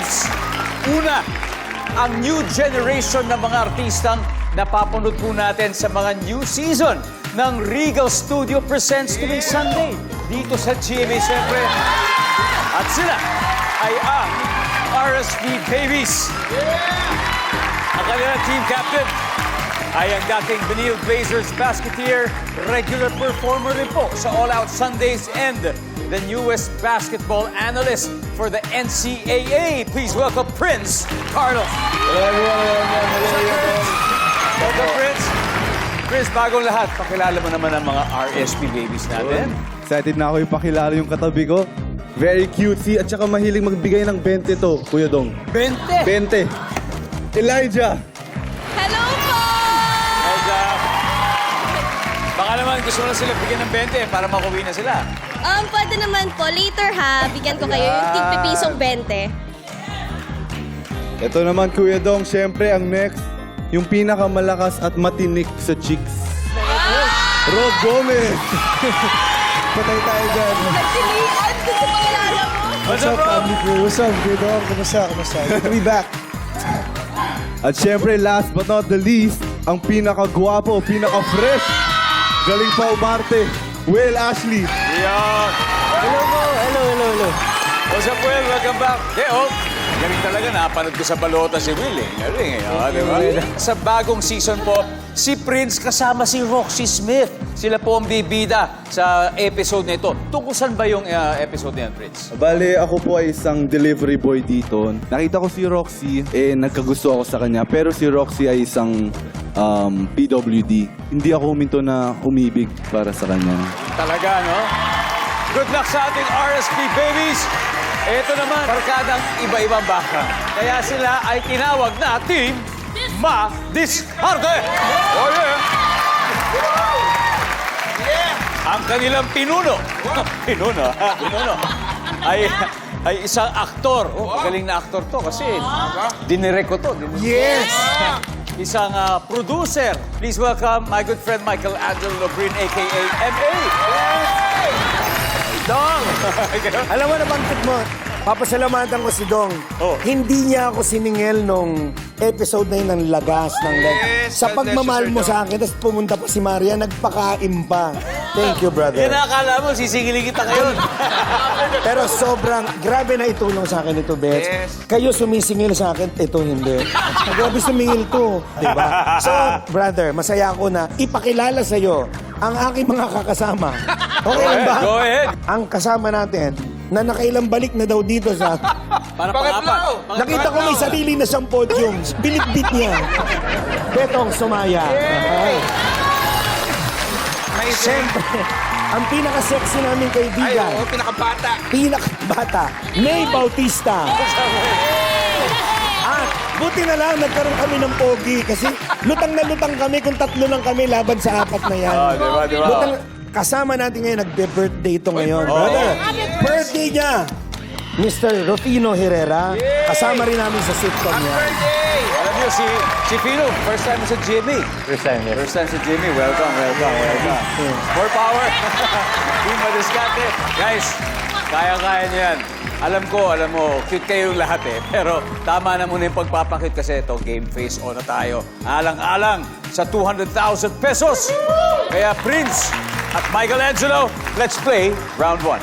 Prince. Una, ang new generation ng mga artistang napapanood po natin sa mga new season ng Regal Studio Presents tuwing Sunday dito sa GMA siyempre. At sila ay ang RSP Babies. Ang kanilang team captain ay ang dating Benil Blazers basketeer, regular performer rin po sa All Out Sundays and the newest basketball analyst for the NCAA. Please welcome Prince Carlos. Hello everyone. Welcome, Prince. Prince, bagong lahat, pakilala mo naman ang mga RSP Babies natin. Excited na ako ipakilala yung katabi ko. Very cutesy at saka mahilig magbigay ng 20 to, Kuya Dong. 20! 20. Elijah. Hello po! Baka naman gusto mo na sila bigyan ng 20 para makuwi na sila. Pwede naman po. Later ha, bigyan ko kayo yung tig-pisong 20. Ito naman, Kuya Dong, syempre ang next, yung pinakamalakas at matinik sa chicks. Rob Gomez. Patay tayo dyan. Nagtilian! Gusto pa kilala mo? What's up, bro? family crew? What's up, Kuya Dong? Kumusta? Good to be back. At syempre, last but not the least, ang pinakagwapo, pinaka-fresh, galing pa umarte, Will Ashley. Yan. Hello po. Hello. What's up, Will? Welcome back. Galing talaga, napanood ko sa balota si Will eh. Galing eh, di ba? Sa bagong season po, si Prince kasama si Roxy Smith. Sila po ang bibida sa episode na ito. Tungkol saan ba yung episode na yan, Prince? Bale, ako po ay isang delivery boy dito. Nakita ko si Roxy, nagkagusto ako sa kanya. Pero si Roxy ay isang PWD. Hindi ako huminto na umibig para sa kanya. Talaga, no? Good luck sa ating RSP Babies! Ito naman, barkadang iba-ibang baka. Kaya sila ay tinawag na Team Ma-Discarte! Oh, yeah! Ang kanilang pinuno, pinuno, ay isang aktor. Magaling na aktor to kasi dinirect ko to. Yes! Isang producer. Please welcome my good friend Michael Angelo Lobrin, a.k.a. M.A. Dong! Alam mo, nabanggit mo, papasalamatan ko si Dong. Oh. Hindi niya ako siningil nung episode na yun ng lagas ng leg. Sa pagmamahal mo sa akin, tapos pumunta pa si Maria, nagpakain pa. Thank you, brother. Yan akala mo, sisingilin kita ngayon. Pero sobrang, grabe na itulong sa akin ito, Bets. Kayo sumisingil sa akin, ito hindi. Grabe sumingil to, di ba? So, brother, masaya ako na ipakilala sa'yo ang aking mga kakasama. Okay lang ba? Go ahead. Ang kasama natin, na nakailang balik na daw dito sa... Para pang-apat. Nakita ko may sarili na siyang podium. Binitbit niya. Betong Sumaya. Okay. Siyempre, ang pinaka-sexy namin kaibigan. Ay, pinakabata. Pinakabata. May Bautista. At buti na lang nagkaroon kami ng pogi kasi lutang na lutang kami kung tatlo lang kami laban sa apat na yan. Di ba? Lutang, kasama natin ngayon, nagbe-birthday ito ngayon. Brother, birthday niya! Mr. Rufino Herrera. Kasama rin namin sa sitcom niya. Alam niyo, si Fino, first time sa Jimmy. First time, yes. First time sa Jimmy. Welcome. More power. Team Ma-Discarte. Guys, kaya-kaya niyo yan. Alam mo, cute kayong lahat eh. Pero tama na muna yung pagpapakit kasi ito, game face on na tayo. Alang-alang sa 200,000 pesos. Kaya Prince at Michael Angelo, let's play round 1.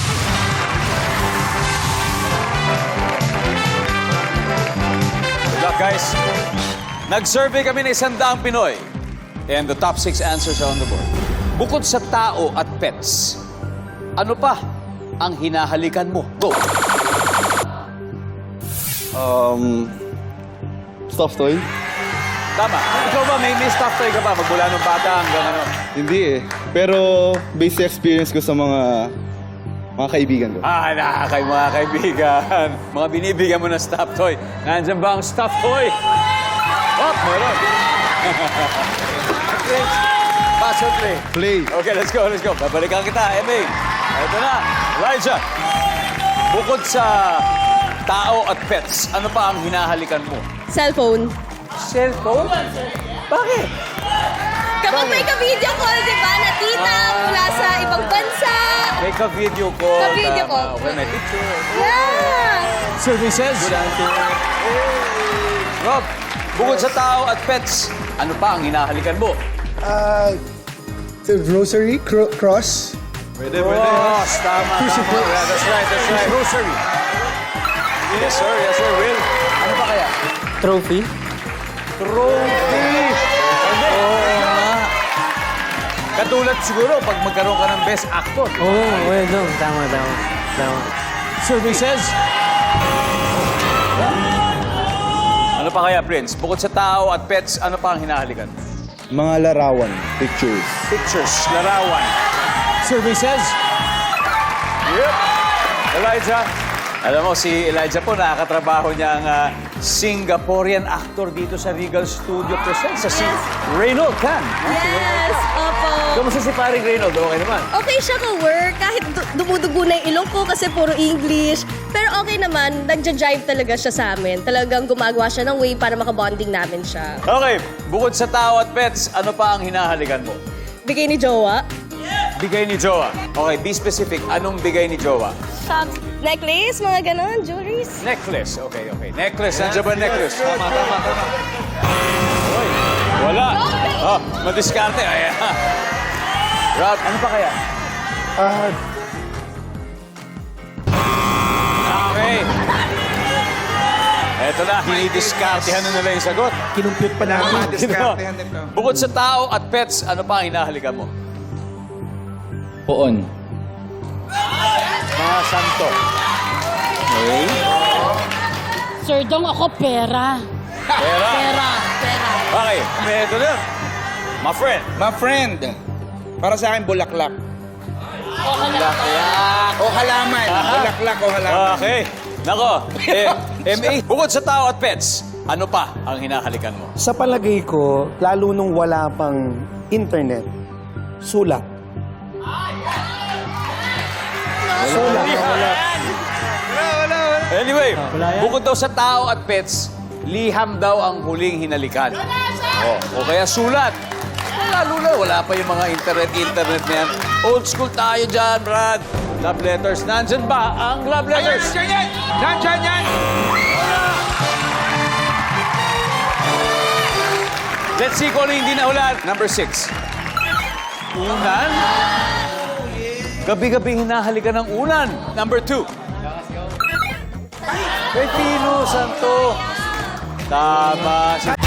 Good luck, guys. Nag-survey kami ng 100 Pinoy. And the top 6 answers are on the board. Bukod sa tao at pets, ano pa ang hinahalikan mo? Go! Stuffed toy? Tama. Ikaw ba, may stuff toy ka ba? Magmula nung bata hanggang ano? Hindi eh. Pero based sa experience ko sa mga kaibigan ko. Mga kaibigan. Mga binibigyan mo ng stuff toy. Nandiyan ba ang stuff toy? Oh, meron. Pass or play? Play. Okay, let's go. Babalikan kita, Emmy. Ito na, Elijah. Bukod sa tao at pets, ano pa ang hinahalikan mo? Cellphone. Cellphone? Bakit? Kapag may ka-video call, di ba, na tita mula sa ibang bansa. May ka-video call. Ka-video call. Okay, may picture. Yeah! Survey says... Rob, bukod sa tao at pets, ano pa ang hinahalikan mo? The rosary, cross. Pwede, Cross, tama, tama. Yeah, that's right. Rosary. Yes, sir. Will. Ano pa kaya? Trophy. Trophy! Oo nga. Katulad siguro pag magkaroon ka ng best actor. Oh, well, no. Tama. Survey says... Ano pa kaya, Prince? Bukod sa tao at pets, ano pa ang hinahalikan? Mga larawan, pictures. Pictures, larawan. Survey says... Yep. Elijah. Alam mo, si Elijah po, nakakatrabaho niya ang Singaporean actor dito sa Regal Studio Presents, si Reynold Khan. Yes, opo. Kamusta si paring Reynold? Okay naman. Okay siya ka-work, kahit dumudugo na yung ilong ko kasi puro English. Pero okay naman, nagja-jive talaga siya sa amin. Talagang gumagawa siya ng way para makabonding namin siya. Okay, bukod sa tao at pets, ano pa ang hinahalikan mo? Bigay ni Jowa. Bigay ni Jowa. Okay, be specific. Anong bigay ni Jowa? Shops, necklace, mga ganon, jewelries. Necklace. Okay. Necklace. Nandiyan ba necklace? Tama. Uy, wala. Oh, madiskarte. Ayan. Rob, ano pa kaya? Okay. Eto na, hinidiskartehan na nila yung sagot. Kinumpute pa namin. Bukod sa tao at pets, ano pa ang hinahalikan mo? Poon. Mga santo. Okay. Sir Dong, ako pera. Pera. Okay, eto na. My friend. My friend, para sa akin, bulaklak. O halaman. Bulaklak o halaman. Okay. Nako, MA, bukod sa tao at pets, ano pa ang hinahalikan mo? Sa palagay ko, lalo nung wala pang internet, sulat. Sulat. Anyway, bukod daw sa tao at pets, liham daw ang huling hinalikan. O kaya sulat. Lalo na, wala pa yung mga internet na yan. Old school tayo dyan, Brad. Love letters. Nandyan ba ang love letters? Nandiyan yan! Let's see kung ano hindi nahulaan. Number 6. Unan. Gabi-gabi hinahalikan ng unan. Number 2. Pepino Santo. Tama.